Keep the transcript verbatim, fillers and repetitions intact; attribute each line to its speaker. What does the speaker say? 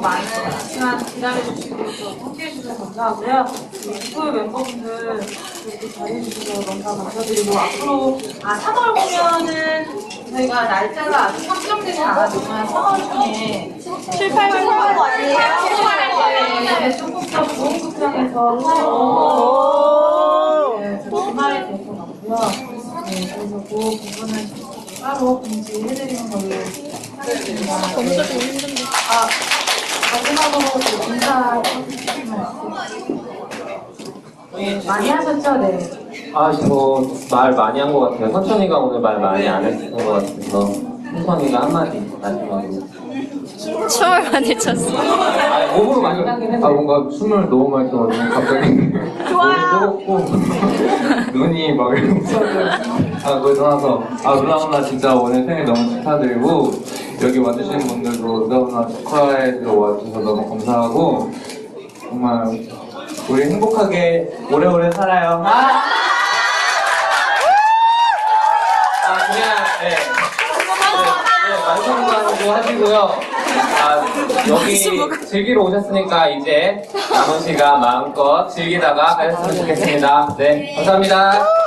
Speaker 1: 많은 시간 기다려주시고 또 함께해주셔서 감사하고요. 유튜브 멤버분들 이렇게 잘해주셔서 너무 감사드리고 앞으로 아 삼월 공연은 저희가 날짜가 아직 확정되지 않았지만 삼월 중에 칠, 팔 월 하는 거 아니에요? 네, 조금 더 좋은 극장에서 네, 저 주말에 될 것 같고요. 네, 그래서 그 부분은 따로 공지해드리는 걸로 하겠습니다.
Speaker 2: 검사
Speaker 1: 네.
Speaker 2: 좀 힘든데.
Speaker 1: 아, 마지막으로 그 인사 말씀. 네, 많이 하셨죠? 네.
Speaker 3: 아, 저 말 많이 한 것 같아요. 선천이가 오늘 말 많이 안 했던 것 같아서 선천이가 한마디 마지막으로.
Speaker 2: 춤을 많이 췄어.
Speaker 3: 아, 몸으로 많이 하긴 했는데.
Speaker 4: 아 뭔가 숨을 너무 많이 쉬어가지고 갑자기 몸이 뜨겁고 눈이 막 이러면서 아 거기서 나서 아 누나 누나 진짜 오늘 생일 너무 축하드리고 여기 와주신 분들도 누나 누나 축하해 주러 와주셔서 너무 감사하고 정말 우리 행복하게 오래오래 살아요.
Speaker 3: 아, 아 그냥 네. 네, 네, 만성방도 하시고요. 아, 여기 즐기러 오셨으니까 이제 남은 시간 마음껏 즐기다가 가셨으면 좋겠습니다. 네, 감사합니다.